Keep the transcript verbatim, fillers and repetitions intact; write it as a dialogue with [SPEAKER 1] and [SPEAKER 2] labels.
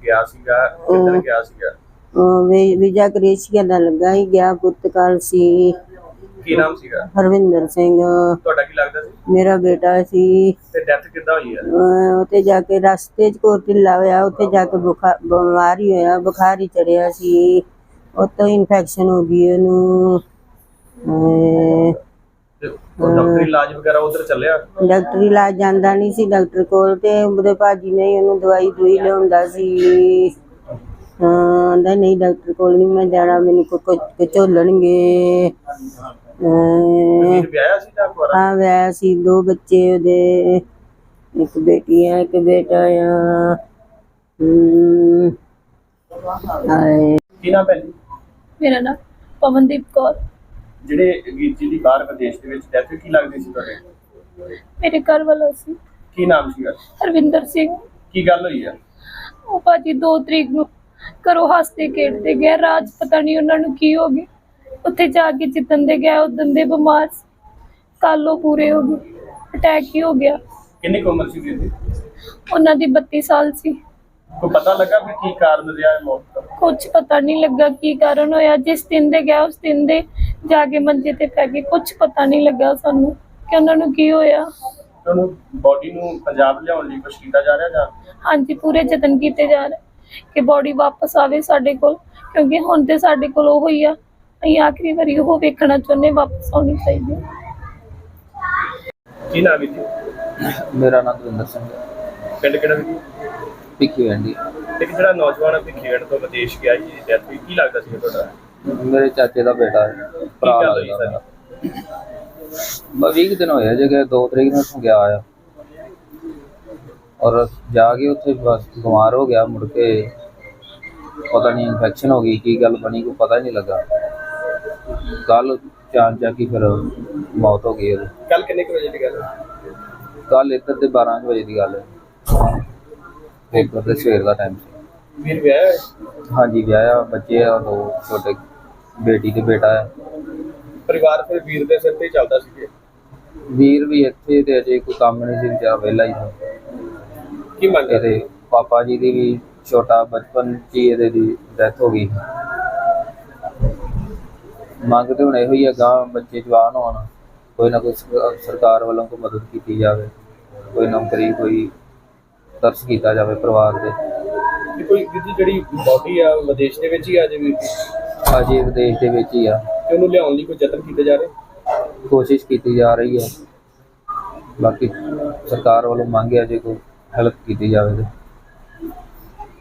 [SPEAKER 1] ਗਿਆ ਸੀਗਾ, ਕਿੱਧਰ ਗਿਆ ਸੀਗਾ?
[SPEAKER 2] ਵੀਜ਼ਾ ਕ੍ਰੇਸ਼ੀਆ ਦਾ ਲੱਗਾ ਹੀ ਗਿਆ, ਪੁਰਤਗਾਲ ਸੀ।
[SPEAKER 1] ਕੀ ਨਾਮ ਸੀਗਾ?
[SPEAKER 2] ਹਰਵਿੰਦਰ ਸਿੰਘ।
[SPEAKER 1] ਤੁਹਾਡਾ ਕੀ ਲੱਗਦਾ ਸੀ?
[SPEAKER 2] ਮੇਰਾ ਬੇਟਾ ਸੀ।
[SPEAKER 1] ਤੇ ਡੈਥ ਕਿੱਦਾਂ ਹੋਈ ਹੈ?
[SPEAKER 2] ਉੱਥੇ ਜਾ ਕੇ ਰਸਤੇ 'ਚ ਕੋਈ ਢਿੱਲਾ ਹੋਇਆ, ਉੱਥੇ ਜਾ ਕੇ ਬੁਖਾਰ ਬਿਮਾਰ ਹੀ ਹੋਇਆ, ਬੁਖਾਰ ਹੀ ਚੜਿਆ ਸੀ, ਉੱਤੋਂ ਇਨਫੈਕਸ਼ਨ ਹੋ ਗਈ ਉਹਨੂੰ।
[SPEAKER 1] ਡਾਕਟਰੀ ਇਲਾਜ ਵਗੈਰਾ ਉਧਰ ਚੱਲਿਆ?
[SPEAKER 2] ਡਾਕਟਰੀ ਇਲਾਜ ਜਾਂਦਾ ਨਹੀਂ ਸੀ ਡਾਕਟਰ ਕੋਲ, ਤੇ ਉਹਦੇ ਭਾਜੀ ਨੇ ਉਹਨੂੰ ਦਵਾਈ ਦੂਈ ਲਿਆਉਂਦਾ ਸੀ। ਹਾਂ ਆਂਦਾ ਨਹੀਂ ਡਾਕਟਰ ਕੋਲ ਨਹੀਂ ਮੈਂ ਜਾਣਾ, ਮੈਨੂੰ ਕੋਈ ਝੋਲਣਗੇ।
[SPEAKER 1] ਵਿਆਹਿਆ ਸੀ ਜਾਂ ਕੁਆਰਾ?
[SPEAKER 2] ਹਾਂ ਵਿਆਹਿਆ ਸੀ, ਦੋ ਬੱਚੇ ਉਹਦੇ, ਇੱਕ ਬੇਟੀ ਆ ਇੱਕ ਬੇਟਾ ਆ। ਹਮ
[SPEAKER 1] ਕੀ ਨਾਮ ਹੈ ਜੀ?
[SPEAKER 3] ਮੇਰਾ ਨਾਮ ਪਵਨਦੀਪ ਕੌਰ।
[SPEAKER 1] ਜਿਹੜੇ ਵੀਰ ਜੀ ਦੀ ਬਾਹਰ ਵਿਦੇਸ਼ ਦੇ ਵਿੱਚ ਡੈਥ ਕੀ ਲੱਗਦੀ ਸੀ ਤੁਹਾਡੇ?
[SPEAKER 3] ਮੇਰੇ ਘਰ ਵਾਲਾ ਸੀ।
[SPEAKER 1] ਕੀ ਨਾਮ ਸੀਗਾ?
[SPEAKER 3] ਹਰਵਿੰਦਰ ਸਿੰਘ।
[SPEAKER 1] ਕੀ ਗੱਲ ਹੋਈ ਆ?
[SPEAKER 3] ਉਹ ਭਾਜੀ ਦੋ ਤਰੀਕ ਨੂੰ ਘਰੋਂ ਹੱਸਦੇ ਖੇਡਦੇ ਗਏ, ਰਾਜ ਪਤਾ ਨਹੀਂ ਉਹਨਾਂ ਨੂੰ ਕੀ ਹੋ ਗਿਆ, ਉੱਥੇ ਜਾ ਕੇ ਜਿੱਦਣ ਦੇ ਗਏ ਉਦੋਂ ਦੇ ਬਿਮਾਰ, ਕੱਲ ਉਹ ਪੂਰੇ ਹੋ ਗਏ, ਅਟੈਕ ਹੀ ਹੋ ਗਿਆ।
[SPEAKER 1] ਕਿੰਨੀ ਕੁ ਉਮਰ ਸੀ ਵੀਰ ਦੀ?
[SPEAKER 3] ਉਹਨਾਂ ਦੀ ਬੱਤੀ ਸਾਲ ਸੀ।
[SPEAKER 1] ਕੋਈ ਪਤਾ ਲੱਗਾ ਵੀ ਕੀ ਕਾਰਨ ਰਿਹਾ ਹੈ ਮੌਤ ਦਾ?
[SPEAKER 3] ਕੁਛ ਪਤਾ ਨਹੀਂ ਲੱਗਾ ਕੀ ਕਾਰਨ ਹੋਇਆ, ਜਿਸ ਦਿਨ ਦੇ ਗਿਆ ਉਸ ਦਿਨ ਦੇ ਜਾ ਕੇ ਮੰਜੇ ਤੇ ਪੈ ਗਏ, ਕੁਛ ਪਤਾ ਨਹੀਂ ਲੱਗਾ ਸਾਨੂੰ ਕਿ ਉਹਨਾਂ ਨੂੰ ਕੀ ਹੋਇਆ।
[SPEAKER 1] ਉਹਨੂੰ ਬੋਡੀ ਨੂੰ ਪੰਜਾਬ ਲਿਆਉਣ ਲਈ ਕੁਛ ਕੀਤਾ ਜਾ ਰਿਹਾ ਜਾਂ?
[SPEAKER 3] ਹਾਂਜੀ ਪੂਰੇ ਯਤਨ ਕੀਤੇ ਜਾ ਰਹੇ ਕਿ ਬੋਡੀ ਵਾਪਸ ਆਵੇ ਸਾਡੇ ਕੋਲ, ਕਿਉਂਕਿ ਹੁਣ ਤੇ ਸਾਡੇ ਕੋਲ ਉਹ ਹੀ ਆ, ਅਸੀਂ ਆਖਰੀ ਵਾਰੀ ਉਹ ਵੇਖਣਾ ਚਾਹੁੰਦੇ, ਵਾਪਸ ਆਉਣੀ ਚਾਹੀਦੀ।
[SPEAKER 1] ਕੀ ਨਾਮ ਹੈ ਜੀ?
[SPEAKER 4] ਮੇਰਾ ਨਾਮ ਦਵਿੰਦਰ ਸਿੰਘ।
[SPEAKER 1] ਪਿੰਡ ਕਿਹੜਾ ਜੀ?
[SPEAKER 4] ਭਿੱਖੀ ਵੰਡੀ।
[SPEAKER 1] ਇੱਕ ਜਿਹੜਾ ਨੌਜਵਾਨ ਭਿੱਖੀਵਿੰਡ ਤੋਂ ਵਿਦੇਸ਼ ਗਿਆ ਜੀ, ਡੈਥ ਹੋਈ, ਕੀ ਲੱਗਦਾ ਸੀ ਤੁਹਾਡਾ?
[SPEAKER 4] ਮੇਰੇ ਚਾਚੇ ਦਾ ਬੇਟਾ ਹੈ, ਭਰਾ ਲੱਗਦਾ ਮੇਰਾ। ਬਸ ਵੀਹ ਦਿਨ ਹੋਏ ਜੇ ਕਿ ਦੋ ਤਰੀਕ ਨੂੰ ਗਿਆ ਆ, ਔਰ ਜਾ ਕੇ ਉੱਥੇ ਬਸ ਬਿਮਾਰ ਹੋ ਗਿਆ, ਮੁੜ ਕੇ ਪਤਾ ਨਹੀਂ ਇਨਫੈਕਸ਼ਨ ਹੋ ਗਈ, ਕੀ ਗੱਲ ਬਣੀ ਕੋਈ ਪਤਾ ਨਹੀਂ ਲੱਗਾ। ਕੱਲ ਚਾਰ ਜਾ ਕੇ ਫਿਰ ਮੌਤ ਹੋ ਗਈ ਉਹਦੀ।
[SPEAKER 1] ਕੱਲ ਕਿੰਨੇ ਕੁ ਵਜੇ ਦੀ ਗੱਲ ਹੈ?
[SPEAKER 4] ਕੱਲ ਇੱਧਰ ਦੇ ਬਾਰਾਂ ਵਜੇ ਦੀ ਗੱਲ ਹੈ, ਪੇਪਰ ਦੇ ਸਵੇਰ ਦਾ ਟਾਈਮ ਸੀ।
[SPEAKER 1] ਵੀਰ ਵਿਆਹਿਆ?
[SPEAKER 4] ਹਾਂਜੀ ਵਿਆਹਿਆ, ਬੱਚੇ ਆ ਦੋ ਛੋਟੇ, ਬੇਟੀ ਤੇ ਬੇਟਾ ਹੈ।
[SPEAKER 1] ਪਰਿਵਾਰ ਫਿਰ ਵੀਰ ਦੇ ਸਿਰ ਤੇ ਹੀ ਚੱਲਦਾ ਸੀ?
[SPEAKER 4] ਵੀਰ ਵੀ ਇੱਥੇ ਤੇ ਅਜੇ ਕੋਈ ਕੰਮ ਨਹੀਂ ਸੀ, ਵਿਚਾਰਾ ਵਿਹਲਾ ਹੀ ਸੀ।
[SPEAKER 1] ਕੀ ਮੰਗ
[SPEAKER 4] ਇਹਦੇ ਪਾਪਾ ਜੀ ਦੀ ਵੀ ਛੋਟਾ ਬਚਪਨ 'ਚ ਹੀ ਇਹਦੇ ਦੀ ਡੈਥ ਹੋ ਗਈ। ਮੰਗ ਤੇ ਹੁਣ ਇਹੋ ਹੀ ਆ, ਗਾਂ ਬੱਚੇ ਜਵਾਨ ਹੋਣ, ਕੋਈ ਨਾ ਕੋਈ ਸਰਕਾਰ ਵੱਲੋਂ ਕੋਈ ਮਦਦ ਕੀਤੀ ਜਾਵੇ, ਕੋਈ ਨੌਕਰੀ, ਕੋਈ ਤਰਸ ਕੀਤਾ ਜਾਵੇ ਪਰਿਵਾਰ ਦੇ।
[SPEAKER 1] ਕੋਈ ਜਿਹੜੀ ਬੋਡੀ ਆ ਵਿਦੇਸ਼ ਦੇ ਵਿੱਚ ਹੀ ਆ ਜੇ ਵੀਰ ਦੀ?
[SPEAKER 4] ਅਜੇ ਵਿਦੇਸ਼ ਦੇ ਵਿੱਚ ਹੀ ਆ,
[SPEAKER 1] ਤੇ ਉਹਨੂੰ ਲਿਆਉਣ ਲਈ ਕੋਈ ਯਤਨ ਕੀਤੇ ਜਾ ਰਹੇ?
[SPEAKER 4] ਕੋਸ਼ਿਸ਼ ਕੀਤੀ ਜਾ ਰਹੀ ਹੈ, ਬਾਕੀ ਸਰਕਾਰ ਵੱਲੋਂ ਮੰਗ ਹੈ ਜੇ ਕੋਈ ਹੈਲਪ ਕੀਤੀ ਜਾਵੇ ਤੇ।